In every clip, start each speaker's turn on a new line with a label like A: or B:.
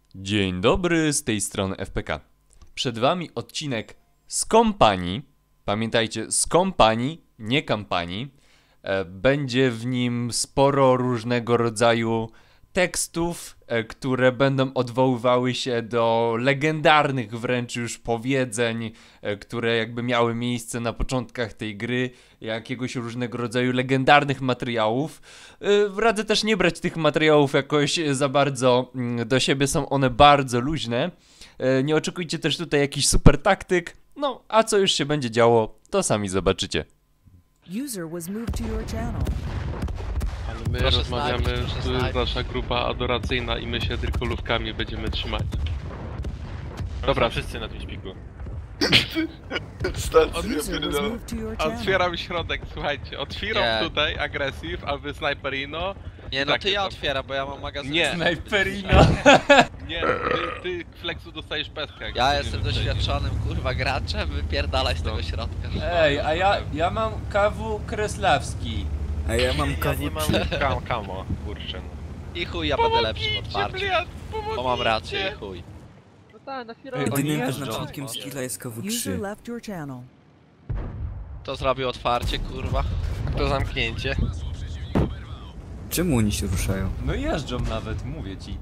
A: Dzień dobry, z tej strony FPK. Przed wami odcinek z kompanii. Pamiętajcie, z kompanii, nie kampanii. Będzie w nim sporo różnego rodzaju tekstów, które będą odwoływały się do legendarnych wręcz już powiedzeń, które jakby miały miejsce na początkach tej gry, jakiegoś różnego rodzaju legendarnych materiałów. Radzę też nie brać tych materiałów jakoś za bardzo do siebie, są one bardzo luźne. Nie oczekujcie też tutaj jakichś super taktyk, no a co już się będzie działo, to sami zobaczycie.
B: User was moved to your channel.
C: Ale my
D: Proszę
C: rozmawiamy,
D: snajpić, proszę
C: to jest
D: snajpić.
C: nasza grupa adoracyjna i my się tylko lówkami będziemy trzymać.
E: Dobra, wszyscy na tym śpiku.
B: User was moved to your channel.
C: Otwieram środek, słuchajcie, otwieram
D: Nie.
C: tutaj agresyw, a wy snajperino.
D: Nie no,
C: Tak,
D: ty ja
C: to-
D: otwieram, bo ja mam magazyn.
C: Nie.
A: Snajperino.
C: Nie, ty Flexu dostajesz pestkę. jak
D: Ja
C: nie
D: jestem
C: wyczaisz.
D: doświadczonym kurwa graczem, wypierdalaj z tego środka.
A: Ej, a ja mam KW Kreslawski.
F: A ja mam
E: Ja
F: KW3.
E: nie mam kamo, kurczę.
D: I chuj, ja będę lepszy w otwarciu.
C: Bliad,
D: Bo mam rację i chuj.
A: Ej, oni
F: Jedynym
A: jeżdżą.
F: wyznacznikiem skilla jest
B: User
F: KW3.
B: left your channel.
D: To zrobił otwarcie, kurwa.
E: To zamknięcie.
F: Czemu oni się ruszają?
A: No jeżdżą nawet, mówię ci.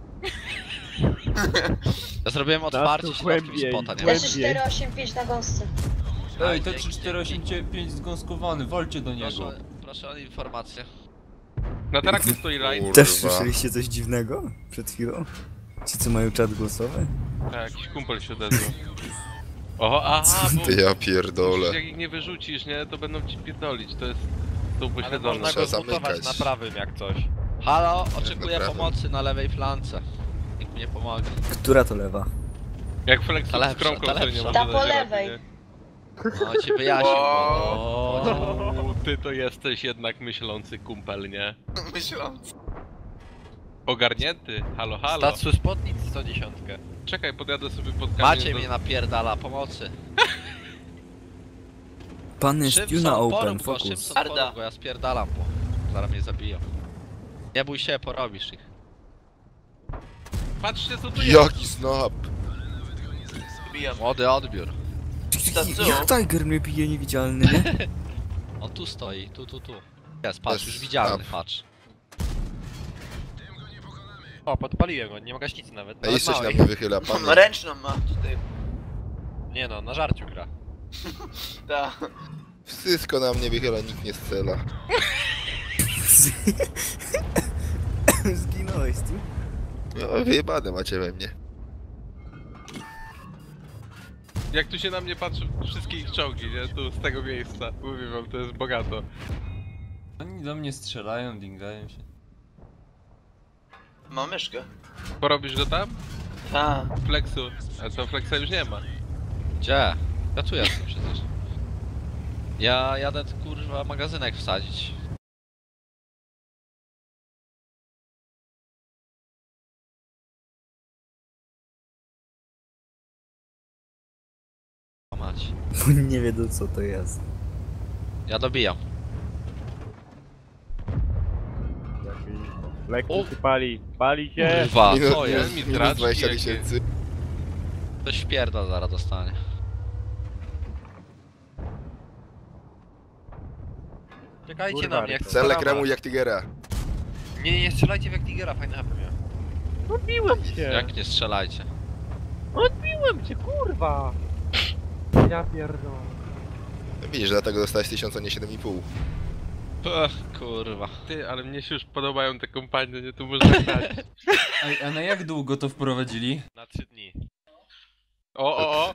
D: Ja zrobiłem otwarcie środkiem i spota, nie?
G: Leży 485 na gąsce.
A: Ej, to
D: dzięki,
A: 3485 zgąskowany, walcie do niego.
D: Proszę o informację.
C: Na trakcie stoi line.
F: Też słyszeliście coś dziwnego przed chwilą? Ci co mają czat głosowy?
C: Tak, jakiś kumpel się odezwał. Oho, aha, bo
H: Ty ja pierdolę.
C: jak ich nie wyrzucisz, nie, to będą ci pierdolić, to jest... To
E: Ale
C: upośledzone.
E: można
H: Trzeba
E: go zmutować
H: zamykać.
E: na prawym jak coś.
D: Halo, oczekuję
H: naprawdę.
D: pomocy na lewej flance. Nikt mi nie pomaga.
F: Która to lewa?
C: Jak Flexu
D: Ta
C: z
D: lepsza,
C: kromką
D: ta
C: sobie nie
D: lepsza.
C: może
G: Ta po
C: dać rady,
G: lewej.
C: nie?
D: No ci wyjaśnię, bo...
C: O, ty to jesteś jednak myślący kumpel, nie?
H: Myśląc.
C: Ogarnięty, halo, halo.
E: Statsu spotnic 110.
C: Czekaj, podjadę sobie pod kamień.
D: Macie mnie napierdala, pomocy.
F: Pan jest you na open, focus.
D: Szybson, porób go, ja spierdalam, bo zaraz mnie zabiją. Nie bój się, porobisz ich.
C: Patrzcie co tu jest.
H: Jaki snap!
D: Młody odbiór.
F: Jak Tiger mnie bije niewidzialny, nie?
D: On tu stoi, tu. Jest, patrz,
H: Jest
D: już widzialny,
H: up.
D: patrz.
E: O, podpaliłem go, nie ma gaśnicy nawet.
H: A
E: Nawet
H: jeszcze się na
E: małej.
H: mnie wychyla, pan.
I: Ręczną ma tutaj.
E: Nie no, na żarciu gra.
I: Ta.
H: Wszystko na mnie wychyla, nikt nie strzela.
F: Zginąłeś tu?
H: No wyjebane macie we mnie.
C: Jak tu się na mnie patrzy wszystkie ich czołgi, nie? Tu z tego miejsca. Mówię wam, to jest bogato.
A: Oni do mnie strzelają, dingają się.
I: Ma myszkę.
C: Porobisz go tam?
I: Ta.
C: Flexu. A to Flexa już nie ma.
D: Gdzie? Ja tu jestem przecież. Ja jadę kurwa magazynek wsadzić. Mać.
F: Bo oni nie wiedzą co to jest.
D: Ja dobijam.
E: Lekko się pali się.
D: Kurwa,
H: Minus,
D: co jest?
H: minus,
C: mi
H: minus
C: traczki
H: 20
C: jakie.
H: tysięcy.
D: Ktoś wpierdol zaraz dostanie.
E: Czekajcie Kurwa, na mnie, jak
H: Cele
E: starama.
H: kremu jak Tigera.
E: Nie strzelajcie w jak Tigera, fajny HP miał. Odbiłem cię!
D: Jak nie strzelajcie.
E: Odbiłem cię, kurwa! Ja pierdolę.
H: No widzisz, dlatego dostałeś 1000, a nie 7,5.
D: Ech, kurwa.
C: Ty, ale mnie się już podobają te kompanie, nie? Tu można grać.
A: Ej, a na jak długo to wprowadzili?
E: Na 3 dni.
C: O!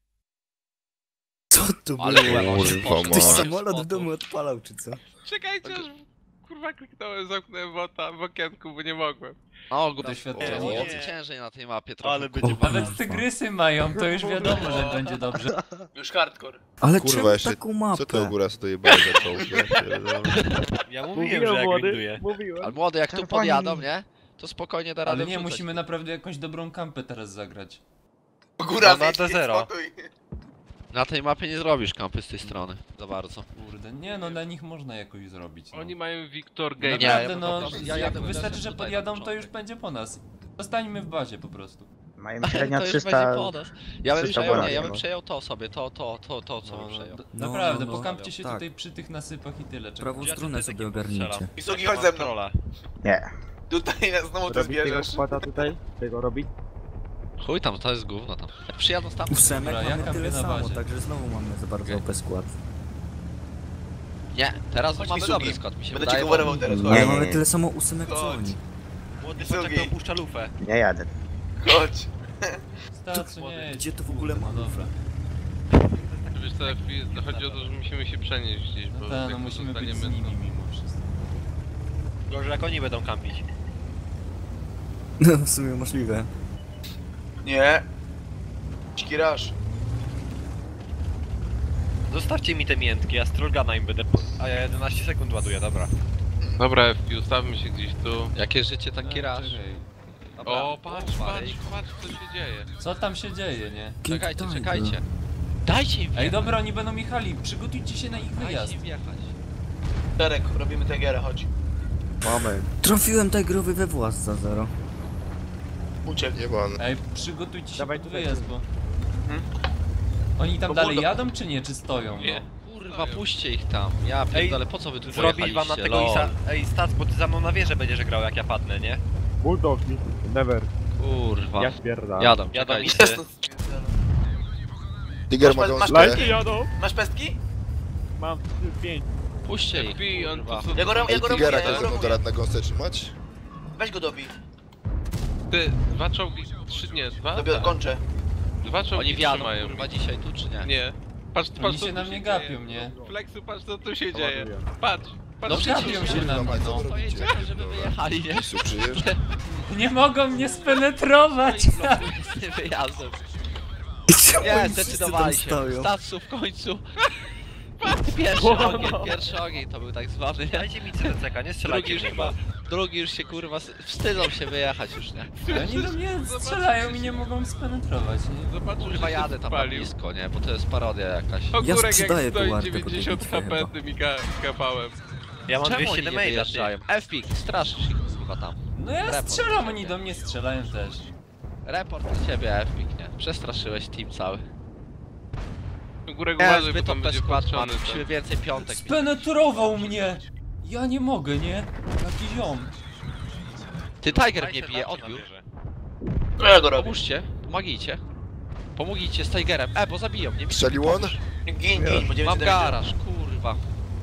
F: Co to było?
D: Ale
H: Kurwa,
F: Ktoś
H: ma.
F: samolot w domu odpalał czy co?
C: Czekajcie, aż kurwa kliknąłem, zamknąłem wota w okienku, bo nie mogłem.
D: No,
A: Doświadczenie.
D: mocy ciężej na tej mapie trochę.
E: Ale będzie
A: Nawet tygrysy mają, to już wiadomo, że będzie dobrze.
I: Już hardcore.
F: Ale
H: Kurwa,
F: czemu
H: jeszcze-
F: taką mapę?
H: Co ty ogóra co to jebałeś za czołg? Ja pierdolę.
E: Ja mówiłem, że jak grinduję.
D: Ale młody, jak tu podjadą, nie? To spokojnie da radę
A: Ale nie,
D: wrzucać.
A: musimy naprawdę jakąś dobrą kampę teraz zagrać.
I: Góra
E: No, na D0.
D: Na tej mapie nie zrobisz kampy z tej strony. Za bardzo.
A: Kurde, nie no, na nich można jakoś zrobić. No.
C: Oni mają Victor Game.
A: Naprawdę
D: ja
A: no,
D: po prostu- ja
A: jak
D: jadę
A: wystarczy, że
D: tutaj na
A: podjadą, to
D: początek.
A: już będzie po nas. Zostańmy w bazie po prostu.
J: Mają średnio
D: To już
J: 300...
D: będzie po nas. Ja bym
J: 300
D: przejął, nie,
J: bonat
D: ja bym
J: miał.
D: przejął to sobie, to co bym przejął.
A: Naprawdę,
F: no,
A: pokampcie się
F: tak.
A: tutaj przy tych nasypach i tyle.
F: Prawą
A: Czekam.
F: stronę sobie ogarnijcie.
I: Wysoki, chodź ze mną.
J: Nie.
I: Tutaj znowu to zbierzesz.
J: tutaj? Tego robić?
D: Chuj tam, to jest gówno tam. Jak przyjadą tam...
F: Ósemek
A: Dobra, ja
F: mamy
A: kampię
F: tyle
A: na
F: samo,
A: bazie.
F: także znowu mamy za bardzo OP skład.
D: Nie, teraz
I: Chodź,
D: mamy
I: Misugi.
D: dobry skład, mi się
I: Będę cię
D: wydaje.
I: coverował teraz, chodź.
F: Ale
J: nie,
F: mamy
J: nie.
F: tyle samo ósemek co
I: Chodź.
F: oni.
E: Młody
I: Wysoki.
E: foczek to opuszcza lufę.
J: Nie jadę.
I: Chodź.
A: Stacu, nie
F: Gdzie to w ogóle ma?
A: No dobra.
C: Wiesz co, chodzi o to, że musimy się przenieść gdzieś, bo
A: No tak, no
C: jak
A: musimy być z
C: zostaniemy,
A: nimi
C: to-
A: mimo wszystko.
E: Gorzej jak oni będą kampić.
F: No w sumie możliwe.
I: Nie. Szkirasz.
E: Zostawcie mi te miętki, ja strolgana im będę... A ja 11 sekund ładuję, dobra.
C: Dobra, FP, ustawmy się gdzieś tu.
D: Jakie życie, taki raż.
A: Czekaj.
D: Dobra.
C: O, patrz,
D: Marek.
C: patrz co się dzieje.
A: Co tam się dzieje, nie?
D: Czekajcie,
F: King
D: czekajcie.
F: Tiger.
D: Dajcie im
A: Ej,
D: wjechać.
A: dobra, oni będą jechali, przygotujcie się na ich wyjazd.
D: Dajcie im wjechać.
I: Derek, robimy Tigera, chodź.
J: Mamy.
F: Trafiłem Tigerowi we włas za 0.
I: Uciekł.
H: Jebany.
A: Ej, przygotujcie się
J: Dawaj
A: pod
J: tutaj.
A: wyjazd, bo... Oni tam
I: Bo
A: dalej
I: buldo-
A: jadą, czy nie? Czy stoją?
C: Nie.
A: No?
D: Kurwa, puśćcie ich tam. Ja pierdolę, po co wy tu
E: Zrobić wam na
D: pojechaliście?
E: tego
D: Lol.
E: Isa... Ej, Stac, bo ty za mną na wieżę będziesz grał jak ja padnę, nie?
J: Bulldog, never.
D: Kurwa.
J: Spierdam.
D: Jadą,
E: Jadą
D: czekajcie.
I: Jest to...
H: Tiger ma
I: Masz
H: gąskę.
J: jadą.
I: Masz pestki?
J: Mam 5.
D: Puśćcie ich,
C: FP, on
D: kurwa.
C: tu co...
I: Ja go
H: Ej,
I: robię,
H: Tigera
I: ja
H: też
I: go
H: ze mną
I: robię.
H: rad na gąsce trzymać?
I: Weź go dobij.
C: Ty, dwa czołgi, trzy, nie, dwa?
I: Dobię,
C: Tak.
I: kończę.
C: Dwa czołgi
D: Oni wjadą,
C: trzymają.
D: kurwa, dzisiaj tu czy nie?
C: Nie. Patrz,
A: Oni
C: patrz co
A: się
C: tu
A: na mnie
C: dzieje.
A: gapią, nie?
C: Flexu, patrz co tu się dzieje. Patrz, patrz
A: No
C: co
A: gapią
C: dzieje.
A: się na mnie, no.
D: To jedziemy, żeby wyjechali, nie?
H: Misu, przyjesz?
A: Nie mogą mnie spenetrować!
D: Z tym wyjazdem.
F: Czemu
D: Nie,
F: oni wszyscy
D: zdecydowali
F: tam
D: się.
F: stoją?
D: Statsu w końcu. Pierwszy ogień to był tak zwany, nie?
E: Dajcie mi CDCK, nie strzelajcie
D: Drugi już
E: w
D: chyba,
E: niego.
D: drugi już się kurwa wstydzą się wyjechać już, nie?
A: Oni do mnie strzelają i nie mogą spenetrować, nie?
C: Zobaczył,
D: Kurwa
C: że się
D: jadę tam na
C: spalił.
D: blisko, nie? Bo to jest parodia jakaś.
A: No,
C: Ogórek
F: sprzedaję
C: jak
F: tą
C: stoi
F: wartę po tej
C: 90
F: bitwie
C: HP
F: chyba.
C: tymi kapałem.
E: Ja mam
D: Czemu
E: 200
D: oni nie
E: damage'a,
D: wyjeżdżają? F-Pik, straszysz ich kurwa tam.
A: No ja
D: Report
A: strzelam,
D: na
A: oni
D: ciebie.
A: do mnie strzelają też.
D: Report na ciebie F-Pik, nie? Przestraszyłeś team cały.
C: Ogórek
D: Nie,
C: uważaj, bo
D: zbyt
C: tam
D: OP
C: będzie
D: skład
C: patrzony.
D: mamy, musimy więcej piątek.
A: Spenetrował mnie! Ja nie mogę, nie? Jaki ziom.
D: Ty Tiger
E: Daj
D: mnie
E: se
D: bije,
E: tarczę na
D: odbiór.
E: wieżę.
I: No ja go robię.
D: Pomóżcie, pomagijcie. Pomógijcie z Tigerem. bo zabiją mnie.
H: Strzelił on?
I: Gin, bo
D: Mam garaż, kurwa.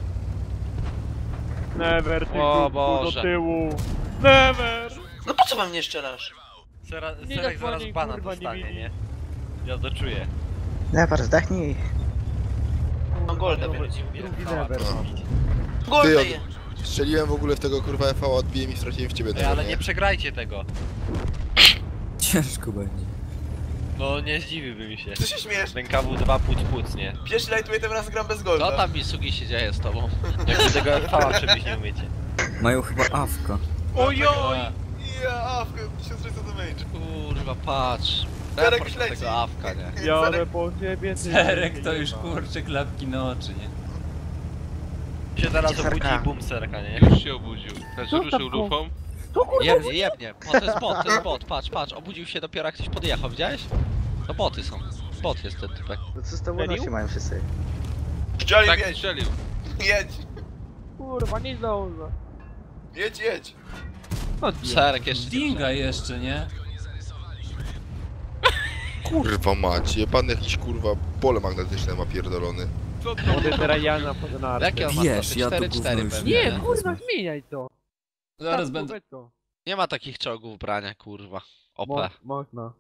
J: Never, ty
D: O
J: kurwa, do
D: Boże.
J: tyłu. Never.
I: No po co we mnie strzelasz?
J: zasłaniaj,
E: Serek zaraz bana
J: kurwa, nie
E: dostanie,
J: widzi.
E: nie? Ja to czuję.
J: Never, zdechnij.
I: Mam golda,
J: Drugi
I: będzie.
J: never mam.
I: Golda
H: Ty,
I: je.
H: Strzeliłem w ogóle w tego kurwa FV, odbiłem i straciłem w ciebie
E: Ej,
H: tego,
E: ale
H: nie?
E: nie przegrajcie tego.
F: Ciężko będzie.
E: No nie zdziwiłby mi się.
I: Co się śmiesz?
E: Ten KW2 płuc, nie?
I: Pierwszy lajtuję, tym razem gram bez
D: Co
I: golda.
D: tam Misugi się dzieje z tobą?
E: Jak wy tego FV przebić nie umiecie.
F: Mają chyba awka.
I: Ojoj! Ja, awkę, 1600 damage.
D: Kurwa, patrz.
I: Serek
D: Report
I: już
D: na
I: leci.
D: tego awka, nie?
J: Jadę po ciebie, ty.
A: Serek to już kurczę klapki na oczy, nie?
E: Się zaraz
J: Serka.
E: obudzi i bum serka, nie?
C: Już się obudził. Znaczy ruszył lufą.
D: Jebnie, jebnie. O, to jest bot, patrz. Obudził się dopiero jak ktoś podjechał, widziałeś? To boty są. Bot jest ten typek.
J: No co z tobą nosi mają wszyscy?
I: Strzelił,
C: Tak
I: jedź,
C: strzelił.
I: jedź,
J: Kurwa, nie zdążę.
I: jedź.
D: Serek jeszcze nie
A: Dinga jeszcze, nie?
H: Kurwa mać, pan jakiś kurwa pole magnetyczne ma pierdolony.
C: Co to?
J: Młody teraz ja na
D: wszedł. Jakie on ma
F: Wiesz,
D: stopy?
F: ja to
D: 4-4
F: gówno już
D: pewnie.
F: nie.
J: zmieniaj to.
A: Zaraz będę...
D: Nie ma takich czołgów brania, kurwa. OP.
J: Można.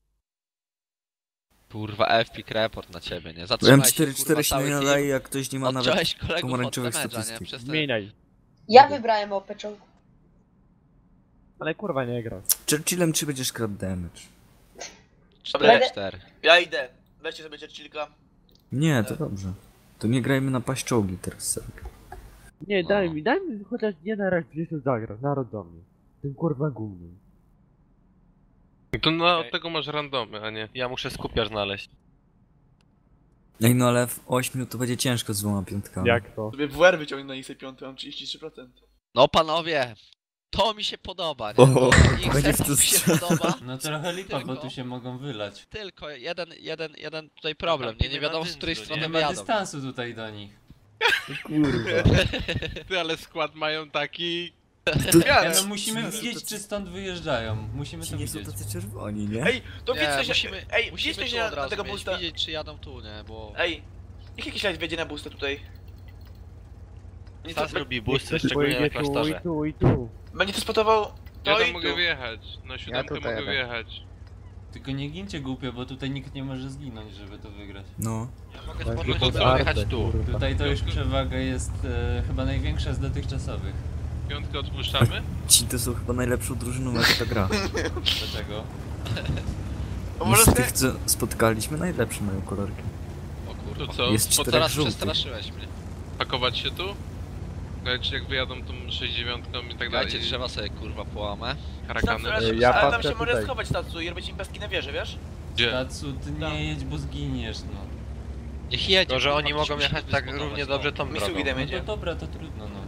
D: Kurwa, FPIK report na ciebie, nie?
F: Byłem
D: Zatrzymałeś się,
F: 4-4
D: kurwa,
F: się
D: cały
F: nie
D: team.
F: nadaje, jak ktoś nie ma nawet
D: Odciąłeś kolegów od
F: pomarańczowych
D: damage'a, nie?
F: statystyk.
D: Przez ten...
J: Zmieniaj.
G: Ja wybrałem OP czołg.
J: Ale kurwa nie gra.
F: Churchillem czy będziesz kradł damage?
D: 4-4.
I: Ja idę. Weźcie sobie Churchillka.
F: Nie, to dobrze. To nie grajmy na paść czołgi teraz, Serek.
J: Nie,
D: No.
J: daj mi chociaż nie na raz gdzieś tu zagrać, naród do mnie. Tym kurwa głównym.
C: To na, od tego masz randomy, a nie.
E: Ja muszę skupiarz znaleźć.
F: Ej, no ale w 8 to będzie ciężko z 2 piątkami.
J: Jak to?
I: Sobie WR wyciągnę na IC5, mam 33%.
D: No panowie, To mi się podoba, nie?
F: O,
D: Ich
F: będzie
D: sercu
F: w to
D: mi się
F: strzelał.
D: podoba.
A: No trochę lipa, bo
D: Tylko-
A: tu się mogą wylać.
D: Tylko jeden tutaj problem, nie? Nie wiadomo z której
A: Nie
D: strony
A: ma
D: jadą.
A: dystansu tutaj do nich.
F: Kurwa.
C: Ty, ale skład mają taki...
A: Ja, no musimy widzieć, czy stąd wyjeżdżają. Musimy
F: Ci
A: to
F: nie są
A: widzieć.
F: tacy czerwoni, nie?
I: Ej, to
D: Nie,
I: widzę się...
D: musimy,
I: Ej,
D: musimy
I: widzę
D: tu
I: się
D: od
I: na
D: razu
I: tego
D: mieć,
I: boosta.
D: widzieć czy jadą tu, nie? Bo...
I: Ej, niech jakiś light wiedzie na boosta tutaj. Nie
E: Stas
I: to,
E: lubi boosty,
J: Pojedzie
E: szczególnie na
J: tu i
E: klasztorze.
J: tu i tu.
I: będzie to spotował
C: Ja
I: to
C: tam
I: i
C: mogę
I: tu.
C: wjechać. Na siódemkę
J: tutaj
C: mogę
J: jadę.
C: wjechać.
A: Tylko nie gincie głupio, bo tutaj nikt nie może zginąć, żeby to wygrać.
F: No.
D: Ja mogę
J: Będzie
D: spokojnie
C: to co?
J: podarte,
E: Jechać tu.
J: kurwa.
A: Tutaj to już przewaga jest chyba największa z dotychczasowych.
C: Piątkę odpuszczamy?
F: Ci to są chyba najlepszą drużyną, jak ta gra.
A: Dlaczego?
I: O,
F: No
I: może
F: z
I: ty...
F: tych, co spotkaliśmy, najlepsze mają kolorki.
D: O kurwa.
C: To co?
F: Jest
C: Spod-
F: czterech
D: Teraz
F: żółtych.
D: przestraszyłeś mnie.
C: pakować się tu? Znaczy jak wyjadą tą 69 i tak dalej.
D: Dajcie drzewa sobie kurwa połamę.
C: Karakany.
J: Ja
I: ale tam
J: patrzę
I: się może
J: tutaj.
I: schować Tatsu i robić impestki na wieży, wiesz?
C: Gdzie?
A: Tatsu, ty nie jedź, bo zginiesz, no.
D: Niech jedzie.
E: Tylko, że
D: kurwa,
E: oni
D: ktoś
E: mogą
D: musi
E: jechać tak
D: dysponować,
E: równie
D: no.
E: dobrze tą
I: Misugi
E: drogą.
I: damy.
A: No
I: Jedzie.
A: to dobra, to trudno, no.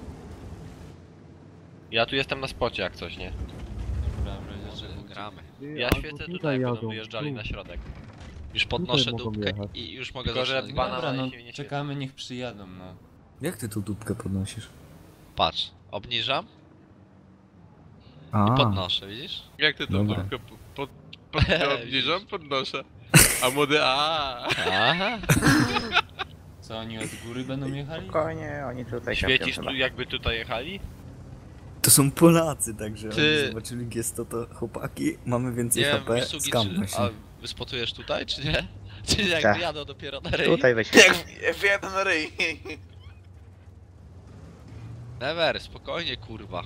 E: Ja tu jestem na spocie jak coś, nie?
A: Dobra, w razie
D: Może
A: czego.
D: gramy.
E: Ja
J: Albo
E: świecę
J: tutaj
E: tutaj, będą
J: jadą,
E: wyjeżdżali
J: tu.
E: na środek.
D: Już podnoszę
J: mogą
D: dupkę
J: jechać.
D: i już mogę
E: Tylko, że
D: zacząć
E: banan-
D: grać.
A: Dobra, no
E: się nie świeci.
A: czekamy, niech przyjadą, no.
F: Jak ty tą dupkę podnosisz?
D: Patrz, obniżam
F: A,
D: i podnoszę, widzisz?
C: Jak ty tą
F: Dobra.
C: dupkę obniżam? Podnoszę. A młody
D: Aha.
A: Co, oni od góry będą jechali?
J: Spokojnie, oni tutaj
E: Świecisz tu jakby tutaj jechali?
F: to są Polacy, także
D: Ty-
F: oni zobaczyli gesto, to chłopaki, mamy więcej
D: Nie wiem,
F: HP,
D: Misugi,
F: skammy
D: czy...
F: się.
D: A wyspotujesz tutaj, czy nie? Czy jak
J: Tak.
D: wyjadą dopiero na ryj?
I: Jak wyjadę na ryj.
D: Never, spokojnie kurwa.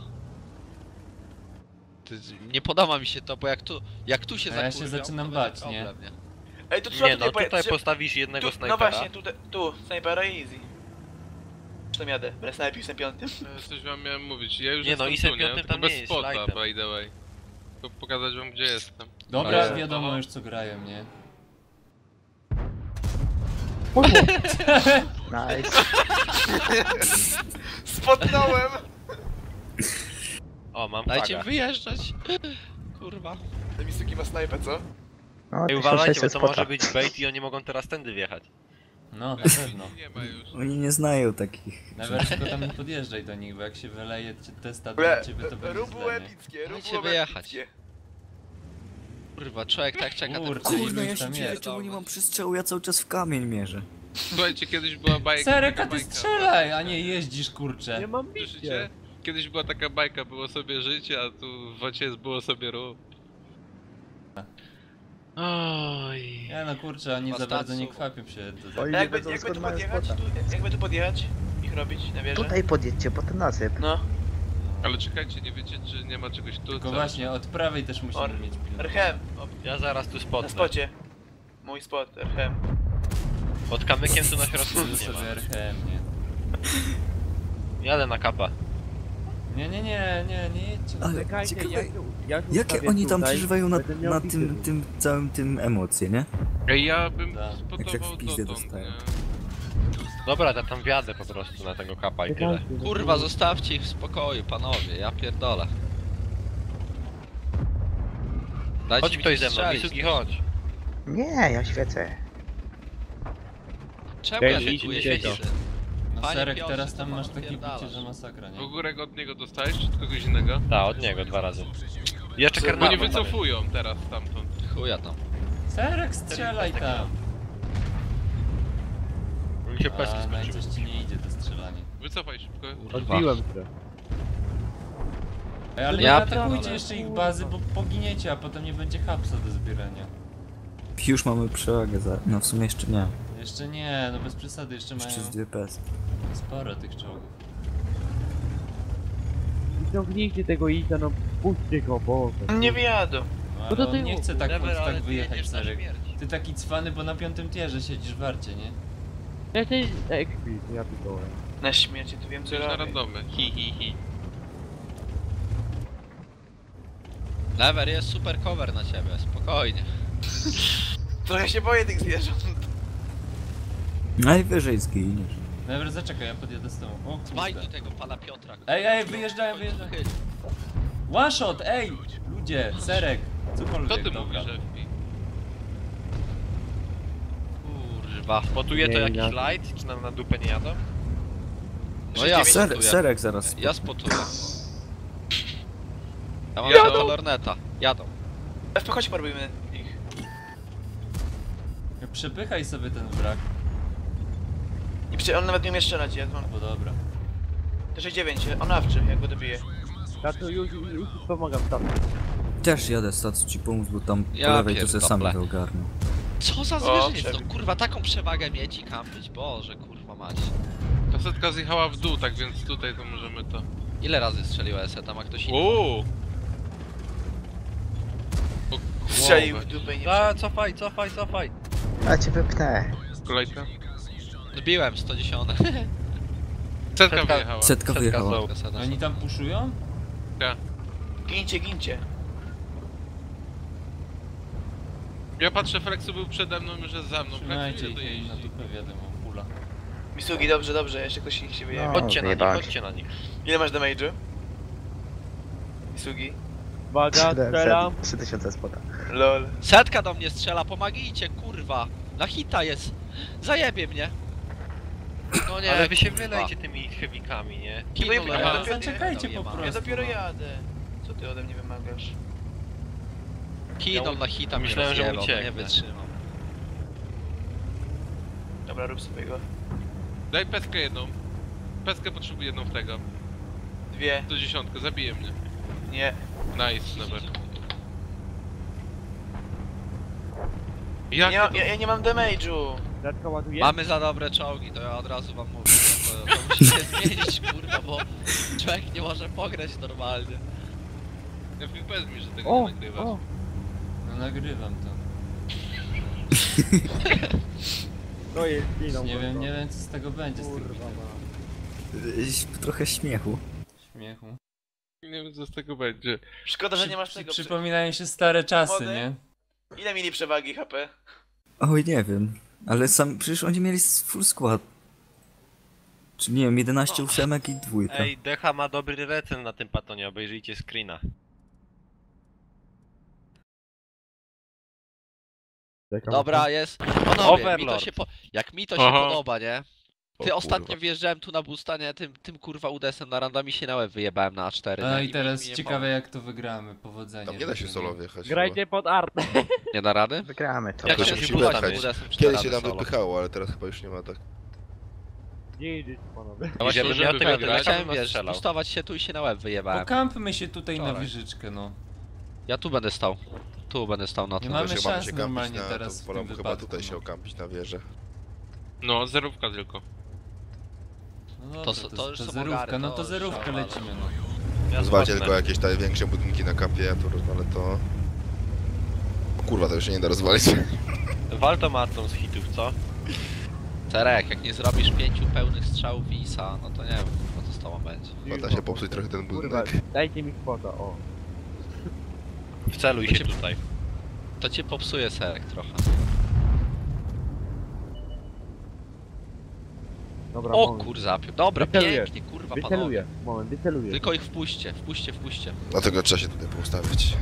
D: Nie podoba mi się to, bo jak tu się
A: A ja się
D: zakurwiam,
A: zaczynam
D: to
A: bać,
D: będzie
A: nie?
D: problem, nie?
I: Ej, to trzeba
E: Nie no,
I: tutaj
E: tutaj
I: poje-
E: postawisz jednego
I: No
E: snajpera.
I: właśnie, tu, snajpera i easy. Już tam jadę, będę snajpił na piątym.
C: Coś wam miałem mówić. Ja już
E: Nie no,
C: jestem
E: i
C: tu, nie?
E: Piątym
C: Tylko
E: tam nie
C: bez
E: jest,
C: spota,
E: lightem.
C: by the way. Tylko pokazać wam gdzie jestem.
A: Dobra,
D: Ale-
A: wiadomo już co grają, nie?
J: Nice.
I: Spotnąłem!
E: O, mam
D: Dajcie
E: flagę.
D: wyjeżdżać. Kurwa.
I: Te Misugi ma snajpę, co?
J: No,
E: Ej, uważajcie, bo to może być bait i oni mogą teraz tędy wjechać.
A: No, na pewno.
C: Nie ma już.
F: Oni nie znają takich.
A: Nawet tylko tam nie podjeżdżaj do nich, bo jak się wyleje testa
I: Ble,
A: do ciebie, to będzie
I: rób było
A: źle, nie?
I: epickie, rób
D: Dajcie
I: było
D: wyjechać.
I: epickie.
D: Kurwa, człowiek tak czeka. ten
A: Kurczę,
D: film.
F: Kurno,
A: iluś
F: ja się
A: tam
F: dziwię,
A: jest.
F: czemu nie mam przestrzału, ja cały czas w kamień mierzę.
C: Słuchajcie, kiedyś była bajka.
A: Serek, a
C: taka
A: ty
C: bajka.
A: strzelaj, a nie jeździsz, kurczę.
J: Nie mam
C: Słyszycie?
J: bicie.
C: Kiedyś była taka bajka, było sobie życie, a tu w wocie było sobie rób.
E: Oj.
A: Nie no kurczę, oni za
D: Masz
A: bardzo nie
D: tacu.
A: kwapią się do
J: Oj,
I: A
J: nie
I: jakby,
J: wiedzą
I: jakby
J: skąd
I: tu
J: mają
I: podjechać,
J: spota.
I: jakby tu podjechać, ich robić na wieżę.
J: Tutaj podjedźcie, potem nasyp.
I: No,
C: Ale czekajcie, nie wiecie czy nie ma czegoś tu?
A: Tylko
C: co?
A: właśnie, od prawej też musimy
I: Or-
A: mieć pilnowanie.
I: Erchem,
E: Ja zaraz tu
I: na
E: spotnę.
I: spocie. Mój spot, Erchem.
E: Pod kamykiem tu na środku
A: Tu
E: nic nie ma.
A: sobie RHM, nie?
E: Jadę na kapę.
A: Nie jedźcie.
F: Ale
J: Czekajcie,
F: ciekawe,
J: jak
F: jakie
J: ustawię
F: oni tam
J: tutaj,
F: przeżywają na,
J: będę miał
F: na
J: bity.
F: tym całym tym emocje, nie?
C: Ej, ja bym
A: Tak.
F: Jak tak
C: spotował
F: w pizdę
C: dotąd,
F: dostają.
C: nie?
E: Dobra, ja tam wjadę po prostu na tego kapa i tyle.
J: Czekajcie,
D: Kurwa, zostawcie ich w spokoju, panowie, ja pierdolę. Dajcie
E: Chodź
D: mi
E: ktoś
D: tu
E: ze mną,
D: strzelić.
E: Misugi chodź.
J: Nie, ja świecę.
D: Czemu ja
J: Ej,
D: się czuję
J: idźcie
D: świeci?
A: No
D: Panie
A: Serek,
D: Piotrze,
A: teraz
D: to
A: tam
D: pan
A: masz takie
D: odpierdalasz.
A: bicie, że masakra, nie?
C: W górę od niego dostałeś, czy od kogoś innego?
E: Tak, od niego 2 razy. I jeszcze
C: Bo
E: karnawal.
C: nie
E: tam jest.
C: wycofują teraz stamtąd.
D: Chuja tam.
A: Serek, strzelaj tam!
E: Mi się peski
A: A, no i
E: skończyły.
A: coś ci nie idzie to strzelanie.
C: Wycofaj szybko.
J: Odbiłem się.
A: Ej, ale
D: Ja
A: nie atakujcie
D: pierdolę.
A: jeszcze ich bazy, bo poginiecie, a potem nie będzie hapsa do zbierania.
F: Już mamy przewagę za... No w sumie jeszcze nie.
A: Jeszcze nie, no bez przesady, jeszcze mają
F: Jeszcze z 2 PS.
A: sporo tych czołgów.
J: Wyciągnijcie tego Ita, no puśćcie go, Boże.
I: Nie wyjadą.
A: No,
J: No to
A: ale
J: ty
A: on nie chce tak,
E: Never, ale
A: tak
E: ty
A: wyjechać,
E: jedziesz na
A: Serek.
E: śmierć.
A: Ty taki cwany, bo na 5. tierze siedzisz w warcie, nie?
J: Ja się ekspit, ja pierdolę.
I: Na śmierci, tu wiem co
C: Coś na
I: robię.
C: randomy. Hi.
D: Never, jest super cover na ciebie, spokojnie.
I: Trochę się boję tych zwierząt.
F: Najwyżej zginiesz.
A: Dobra, zaczekaj, ja podjadę z tobą. O
D: Dbaj
A: kurde.
D: do tego pana Piotra.
A: Ej, wyjeżdżają.
D: Chyć.
A: One shot, ej! Ludzie, serek, cokolwiek,
C: Co ty
A: dobra.
C: mówisz, FP?
E: Kurwa, spotuje to
J: Nie,
E: jakiś
J: ja-
E: light? Czy nam na dupę nie jadą?
D: No ja spotuję.
F: Serek zaraz.
D: Ja spotuję. Ja mam
C: Jadą.
D: tego lorneta. Jadą.
I: FP, chodź porobimy ich.
A: Przepychaj sobie ten wrak,
I: On nawet nie umie strzelać, ja mam...
A: bo dobra.
I: To 69, on awczy, jak go dobije.
J: Ja tu już pomagam tam.
F: Też jadę stacu ci pomóc, bo tam
D: Ja
F: po lewej to se sam
D: pierdolę.
F: to ogarnę.
D: Co za
I: O,
D: zwierzyniec,
I: przebieg.
D: no kurwa, taką przewagę mieć i kampić, Boże, kurwa mać.
C: Ta setka zjechała w dół, tak więc tutaj to możemy to...
D: Ile razy strzeliła tam, a ktoś inny?
C: Uuu!
I: Strzelił w dupę i nie
E: A, cofaj, cofaj, cofaj.
F: A cię wypnę.
C: Kolejka.
D: Zbiłem 110.
C: Setka wyjechała.
F: Setka wyjechała.
A: Oni tam puszują?
I: Gincie.
C: Ja patrzę, Flexu był przede mną, już jest za mną.
A: Trzymajcie
C: Flexu
A: ich
C: ile
A: i na
C: dojeździ.
A: dupę wiadomo, pula.
I: Misugi, dobrze, jeszcze ktoś ich się wyjechał.
E: Chodźcie na nich, chodźcie na nich.
I: Ile masz damage'u? Misugi?
J: Uwaga, strzelam.
F: 3000 spota.
I: Lol.
D: Setka do mnie strzela, pomagijcie, kurwa. Na hita jest. Zajebie mnie. No nie,
E: Ale wy się
D: kurwa.
E: wylejcie tymi heavykami, nie?
D: Kino
I: Ja
D: lorneta.
I: dopiero-
A: zaczekajcie po
D: Dojebane.
A: prostu.
I: Ja dopiero jadę. Co ty ode mnie wymagasz?
D: Kino na hita mnie
E: Myślałem, że
D: rozjebał, no nie
E: ucieknę.
D: wytrzymam.
I: Dobra, rób sobie go.
C: Daj peskę jedną. Peskę potrzebuję jedną w tego.
I: 2.
C: 110, zabije mnie.
I: Nie.
C: Nice, never.
I: Ja nie mam damage'u.
J: Setka ładuje.
D: Mamy za dobre czołgi, to ja od razu wam mówię. To musicie zmienić, kurwa, bo człowiek nie może pograć normalnie.
C: Ja FPS mi, że tego
J: O,
C: nie nagrywasz.
J: o.
A: No nagrywam to.
J: To jest giną.
A: Nie wiem co z tego będzie, z tych
J: Kurwa.
A: bitew.
F: Trochę śmiechu.
A: Śmiechu.
C: Nie wiem co z tego będzie.
I: Szkoda, że nie masz tego.
A: Przypominają się stare czasy,
I: Młody?
A: nie?
I: Ile mieli przewagi HP?
F: Oj, nie wiem. Ale sam, przecież oni mieli full skład. Czy nie wiem, 11 ósemek i dwójka.
E: Ej, Decha ma dobry recen na tym patonie, obejrzyjcie screena.
D: Dobra, jest. Panowie, mi to
E: Overlord.
D: się jak mi to się
C: Aha.
D: podoba, nie?
H: O
D: Ty ostatnio
H: kurwa.
D: wjeżdżałem tu na busta, nie? Tym kurwa UDS-em na randami się na łeb wyjebałem na A4.
A: No
D: nie?
A: i teraz
D: mi nie
A: ciekawe
D: mało.
A: jak to wygramy, powodzenia.
H: Tam nie da się
A: życzę.
H: solo wjechać.
J: Grajcie pod artę.
D: Nie da rady?
F: Wygramy to.
D: Jak
H: to
D: się
H: się musi
D: zbudować
H: wypchać.
D: UDS-em czy da
H: Kiedyś
D: rady
H: się tam
D: solo?
H: wypychało, ale teraz chyba już nie ma tak.
J: Nie idziecie panowie.
D: Ja właśnie
E: Żeby
D: żeby
E: miał tego
D: ja
E: grać,
D: chciałem,
E: to bym
D: wiesz,
E: strzelał.
D: pustować się tu i się na łeb wyjebałem.
A: Pokampmy się tutaj na
D: Wczoraj.
A: wieżyczkę, no.
D: Ja tu będę stał. Tu będę stał na
A: Nie
D: tym.
A: mamy
H: Że mamy
A: szans
H: się
A: normalnie
H: kampić na,
A: teraz
H: to
A: w
H: wolę
A: tym
H: chyba
A: wypadku,
H: tutaj się
A: no.
H: okampić na wieżę.
C: No, zerówka tylko.
A: No
D: To
A: dobra,
D: to już są
A: zerówka,
D: ogary,
A: no
D: to
A: to
D: już
A: zerówkę
D: szalane.
A: lecimy, no.
E: Ja
H: Zwalcie
E: spotnę.
H: tylko jakieś te większe budynki na kampie, ja tu rozwalę to. O kurwa, to już się nie da rozwalić.
E: Waltomatą z hitów, co?
D: Terek, jak nie zrobisz 5 pełnych strzałów ISA, no to nie wiem, co z tobą będzie.
H: Chyba da się popsuć trochę ten
J: Kurwa,
H: budynek.
J: dajcie mi spota, o.
E: Wceluj
D: To
E: się
D: cię-
E: tutaj.
D: To cię popsuje serek trochę.
J: Dobra,
D: O
J: moment.
D: kurza, dobra,
J: Wyceluję.
D: pięknie, kurwa
J: Wyceluję.
D: panowie.
J: Moment, wyceluję.
D: Tylko ich wpuśćcie, wpuśćcie.
H: Dlatego trzeba się tutaj poustawić.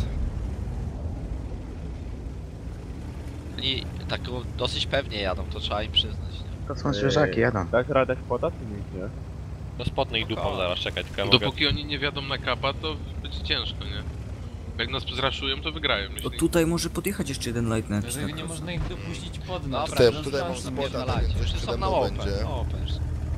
D: Oni tak dosyć pewnie jadą, to trzeba im przyznać. Nie?
F: To są zwierzaki, jadą.
J: Dasz radę spota, czy nie?
E: No spotnę ich dupą zaraz, czekaj, tylko ja mogę...
C: Dopóki oni nie wiadą na kapa, to będzie ciężko, nie? Jak nas zraszują, to wygrają,
F: To
C: myślę.
F: tutaj może podjechać jeszcze jeden light na
A: Dlatego nie można ich dopuścić pod nas.
D: Dobra,
H: Tutaj- tutaj mam
A: Zostańmy.
H: spota,
D: Pierdalajcie,
H: tak więc coś
D: już są
H: przede
D: na
H: mną
D: open.
H: będzie.
D: Open.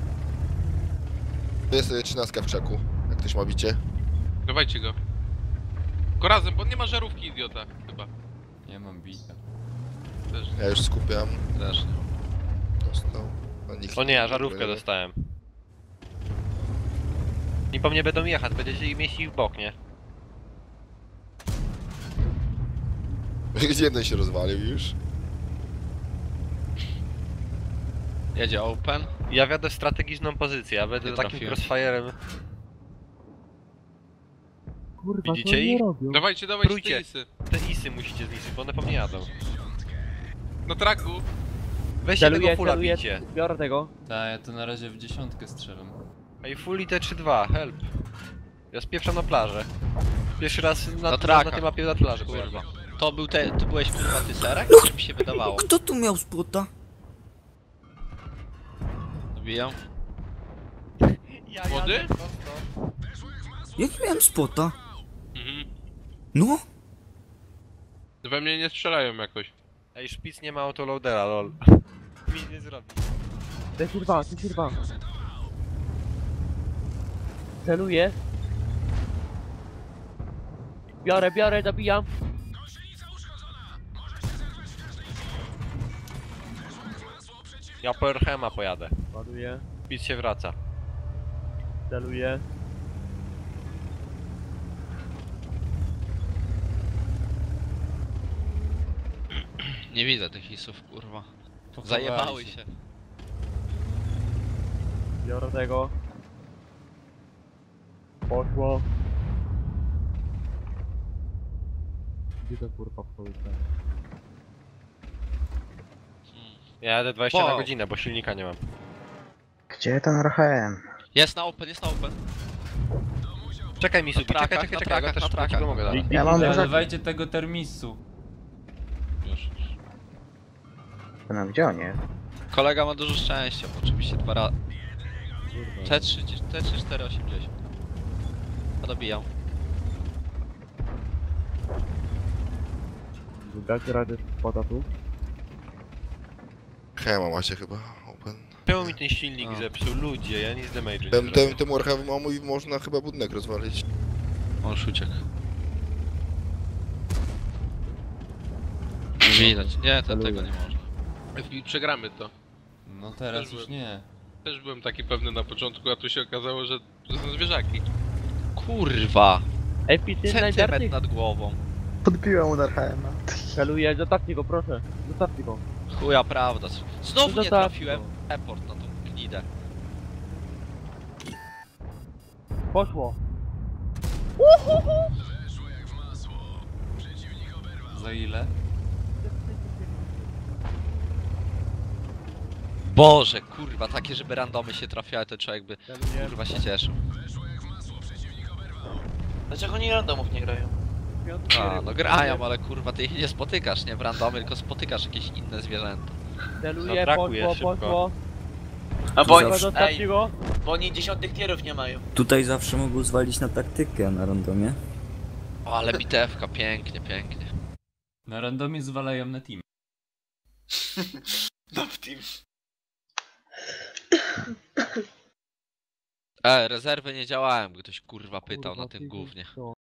H: Tu jest 13 w krzaku, jak ktoś ma bicie.
C: Dawajcie go. Tylko razem, bo nie ma żarówki, idiota, chyba.
A: Nie mam bita.
C: Też.
H: Ja już skupiam.
D: Też nie.
H: Dostał. No, nikt
E: O nie, ja
H: nie
E: żarówkę
H: próbuje.
E: dostałem. I po mnie będą jechać, będziecie ich mieścić w bok, nie?
H: Gdzie jeden się rozwalił już?
D: Jedzie open.
E: Ja wiadę w strategiczną pozycję, ja będę
D: Nie
E: takim
D: trafiłem.
E: crossfire'em.
J: Kurwa,
E: Widzicie
J: co oni
E: ich?
J: robią?
C: Dawajcie te
E: Prójcie.
C: isy.
E: Te isy musicie zniszczyć, bo one po mnie jadą.
C: Na traku.
E: Weźcie tego
J: Celuję,
E: fulla
J: celuję,
E: bicie.
J: biorę tego.
A: Tak, ja to na razie w 10 strzelam.
E: Ej, full i te 3-2, help. Ja spieprzam na plażę. Pierwszy raz na
D: traka.
E: tej mapie na plaży,
D: Kurwa. To byłeś kurwa ty Serek? Czy mi się wydawało?
F: Kto tu miał spota?
D: Dobijam.
C: Młody?
F: Ja nie miałem spota.
C: Mhm.
F: No?
C: We mnie nie strzelają jakoś.
E: Ej, szpic nie ma autoloadera, lol. Mi nie zrobi.
J: Ten kurwa. Celuję. Biorę, dobijam.
E: Ja po Erhema pojadę.
J: Ładuję,
E: Szpic się wraca.
J: celuję.
D: Nie widzę tych isów, kurwa.
A: Pochowali
D: Zajebały się.
J: Biorę tego. Poszło. Gdzie to kurwa wchodzi?
E: Ja jadę 20 na
D: Wow.
E: godzinę, bo silnika nie mam.
K: Gdzie ten RHM?
D: Jest na open.
E: Czekaj mi, Subi,
D: trakach,
E: czekaj,
D: na
E: ja
D: trakach,
E: też
D: na trakach.
E: ci pomogę dalej.
K: Ja mam
A: Używajcie tego termisu.
D: Już.
K: No gdzie on jest?
D: Kolega ma dużo szczęścia, bo oczywiście 2 razy. T3, 480. A dobijam.
J: Dacie radę spota tu?
H: Hema macie chyba, open.
E: Czemu mi ten silnik
D: A.
E: zepsuł? Ludzie, ja nic damage'u nie zrobię.
H: Tym Warhamem mój można chyba budynek rozwalić.
D: On uciekł. Widać. Nie, tego nie można.
C: I przegramy to.
A: No teraz
C: Też
A: już
C: byłem.
A: nie.
C: Też byłem taki pewny na początku, a tu się okazało, że to są zwierzaki.
D: Kurwa!
J: Ej, pity
D: Centymetr
J: najbardziej.
D: nad głową.
K: Podbiłem mu RHM-a.
J: Celuję, zostawcie go, proszę. Zostawcie go.
D: Chuja prawda. Znowu
J: No
D: nie
J: tak.
D: trafiłem. Report na tą gnidę.
J: Poszło.
A: Za ile?
D: Boże, kurwa, takie żeby randomy się trafiały, to człowiek by
J: Celuję.
D: kurwa się cieszył.
I: Dlaczego oni randomów nie grają?
D: A, no grają, ale kurwa ty ich nie spotykasz, nie w randomy, tylko spotykasz jakieś inne zwierzęta.
J: Celuję,
E: Zabrakuje
J: poszło,
E: szybko.
J: poszło.
I: A bo,
F: Zawsze.
J: Zostawcie go.
I: bo oni 10 tierów nie mają.
F: Tutaj zawsze mogą zwalić na taktykę na randomie.
D: O, ale bitewka, pięknie, pięknie.
A: Na randomie zwalają na team.
I: No w team.
D: Rezerwy nie działałem, ktoś kurwa pytał
J: Kurwa,
D: na tym
J: ty
D: głównie.
J: co?